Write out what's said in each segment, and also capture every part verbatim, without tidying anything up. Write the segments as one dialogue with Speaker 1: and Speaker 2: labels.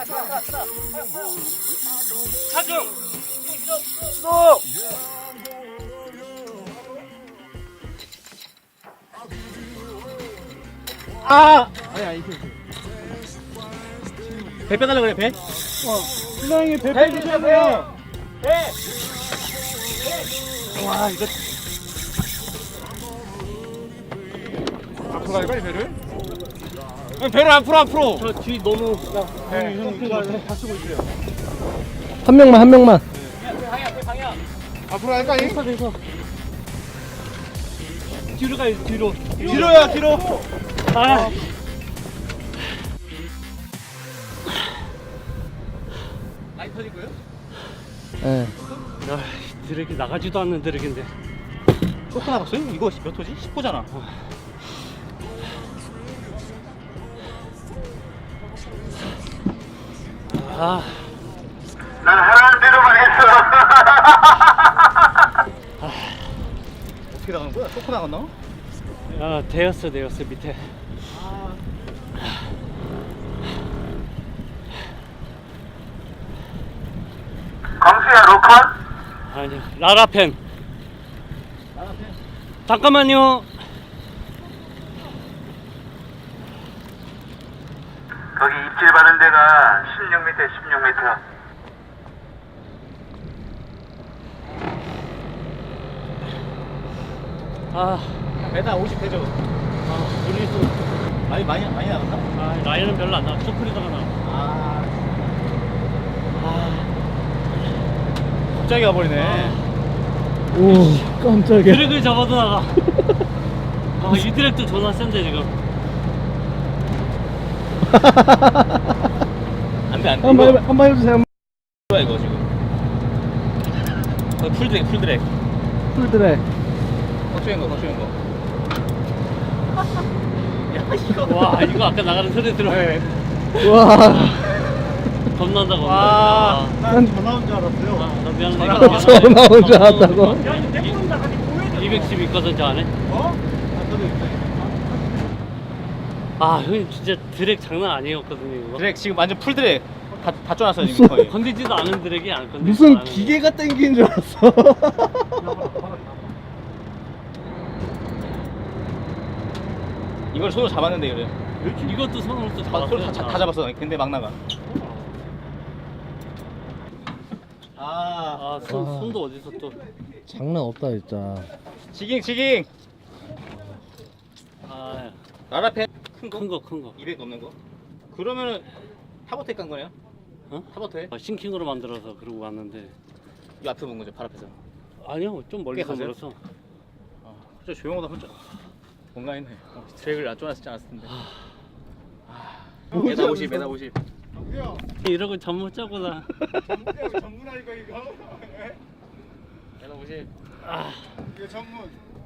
Speaker 1: 차중.
Speaker 2: 또. 아.
Speaker 3: 아니 아니 이게
Speaker 2: 배 빼달라 그래 배.
Speaker 3: 어 신랑이 배
Speaker 2: 배
Speaker 3: 빼주셔야
Speaker 2: 주세요.
Speaker 3: 돼요.
Speaker 2: 배. 와 이거.
Speaker 3: 앞으로 가야 빨리 배를.
Speaker 2: 배를 앞으로 앞으로.
Speaker 1: 저 뒤 너무.
Speaker 3: 네, 형 이거 다치고 있어요.
Speaker 4: 한 명만 한 명만.
Speaker 2: 방향 배 방향.
Speaker 3: 앞으로 갈까요?
Speaker 1: 돼서 돼서. 뒤로 가요 뒤로.
Speaker 2: 뒤로야 뒤로.
Speaker 1: 아.
Speaker 2: 많이 터지고요?
Speaker 4: 예.
Speaker 1: 야, 드랙이 나가지도 않는 드랙인데.
Speaker 2: 쇼크 나갔어요? 이거 몇 호지? 십 호잖아.
Speaker 1: 아,
Speaker 5: 난 하라는 대로만 했어.
Speaker 2: 어떻게 나가는 거야? 쇼크 나갔나?
Speaker 1: 야, 대였어 대였어 밑에.
Speaker 5: 광수야 로컨?
Speaker 1: 아니, 라라펜. 잠깐만요.
Speaker 5: 거기 입질 받은 데가 십육 미터, 십육 미터.
Speaker 1: 아,
Speaker 2: 배당 오십 되죠?
Speaker 1: 아, 분리수.
Speaker 2: 많이 많이 많이 나갔나?
Speaker 1: 아, 라인은 별로 안 나. 소프리더가 나.
Speaker 2: 아. 아. 갑자기 가버리네.
Speaker 4: 오 깜짝이야.
Speaker 1: 드랙을 잡아도 나가. 아, 이 드랙도 존나 센데 지금.
Speaker 2: 안돼 안돼.
Speaker 4: 한번 해봐, 한번 해주세요.
Speaker 2: 뭐야 이거 지금? 어, 풀드랙 풀드랙.
Speaker 4: 풀드래.
Speaker 2: 걱정인 거 걱정인 거. 야 이거.
Speaker 1: 와, 이거 아까 나가는 소리 들어.
Speaker 2: 네.
Speaker 4: 와.
Speaker 1: 겁난다 겁난다.
Speaker 2: 와.
Speaker 1: 아,
Speaker 3: 난 전화 온 줄 알았어요.
Speaker 1: 아, 나 미안해.
Speaker 2: 전화
Speaker 1: 이거
Speaker 2: 왔어.
Speaker 4: 전화 온 줄 알았다고?
Speaker 1: 이백십 있거든 저 안에.
Speaker 3: 어? 안 떠도 있네.
Speaker 1: 아, 형님 진짜 드랙 장난 아니었거든요 이거.
Speaker 2: 드랙 지금 완전 풀드랙 다다 쪼놨어 지금 거의.
Speaker 1: 건들지도 않은 드랙이 안 건들지도
Speaker 4: 무슨
Speaker 1: 않은
Speaker 4: 기계가 땡기는 줄 알았어.
Speaker 2: 이걸 손으로 잡았는데 그래.
Speaker 1: 드랙. 이것도 손으로 또
Speaker 2: 다,
Speaker 1: 잡았어요.
Speaker 2: 손으로 다, 다 잡았어. 근데 막 나가. 아.
Speaker 1: 아, 손, 손도 어디서 또.
Speaker 4: 장난 없다 진짜.
Speaker 2: 지깅 지깅.
Speaker 1: 아,
Speaker 2: 라라펜 큰 거?
Speaker 1: 큰 거, 큰 거.
Speaker 2: 이백 넘는 거? 그러면은 타버트에 깐 거네요?
Speaker 1: 어?
Speaker 2: 타버트에?
Speaker 1: 아, 싱킹으로 만들어서 그러고 왔는데.
Speaker 2: 이 앞에 본 거죠, 발 앞에서.
Speaker 1: 아니요, 좀 멀리서
Speaker 2: 가세요?
Speaker 1: 멀어서.
Speaker 2: 아, 진짜 조용하다 혼자. 뭔가 했네. 어, 드랙을 안 쪼놨지 않았을 텐데. 아, 메다 오십, 메다 오십.
Speaker 3: 정수야.
Speaker 1: 이러고 잠 못 자고 나.
Speaker 3: 정수야 전문하니까 이거.
Speaker 2: 메다 오십.
Speaker 1: 아,
Speaker 3: 이거 전문.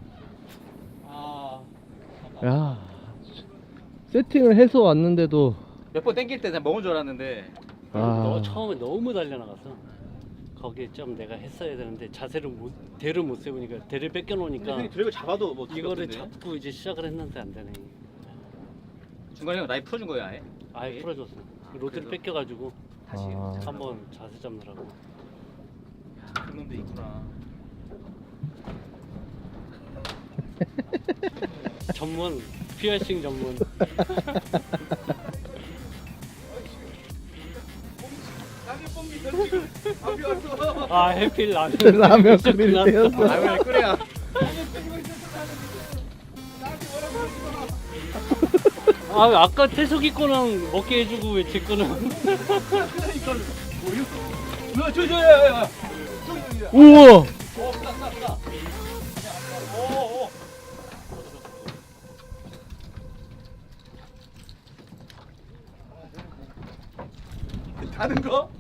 Speaker 1: 아.
Speaker 4: 야. 세팅을 해서 왔는데도.
Speaker 2: 몇 번 땡길 때 그냥 먹은 줄 알았는데.
Speaker 1: 너
Speaker 4: 아.
Speaker 1: 처음에 너무 달려나가서. 거기에 좀 내가 했어야 되는데 자세를 못, 대를 못 세우니까 대를 뺏겨
Speaker 2: 근데
Speaker 1: 놓으니까
Speaker 2: 형이 드랙을 잡아도 뭐
Speaker 1: 이거를
Speaker 2: 죽었던데?
Speaker 1: 잡고 이제 시작을 했는데 안 되네.
Speaker 2: 중간에 형 라이프 풀어준 거예요 아예?
Speaker 1: 아예
Speaker 2: 예?
Speaker 1: 풀어줬어. 로드를
Speaker 2: 그래서?
Speaker 1: 뺏겨가지고
Speaker 2: 다시.
Speaker 4: 아.
Speaker 1: 한번 자세 잡느라고.
Speaker 2: 그런 놈도 있구나.
Speaker 1: 전문 피어싱 전문. 아, 해필 라면.
Speaker 4: 라면
Speaker 1: 진짜
Speaker 4: 끓일
Speaker 1: 끝났어.
Speaker 4: 때였어.
Speaker 2: 라면을 끓여야.
Speaker 1: 아, 아까 태석이 거는 먹게 해주고 왜 제 거는.
Speaker 2: 뭐야 저저 야야야.
Speaker 4: 우와.
Speaker 2: 다른 거?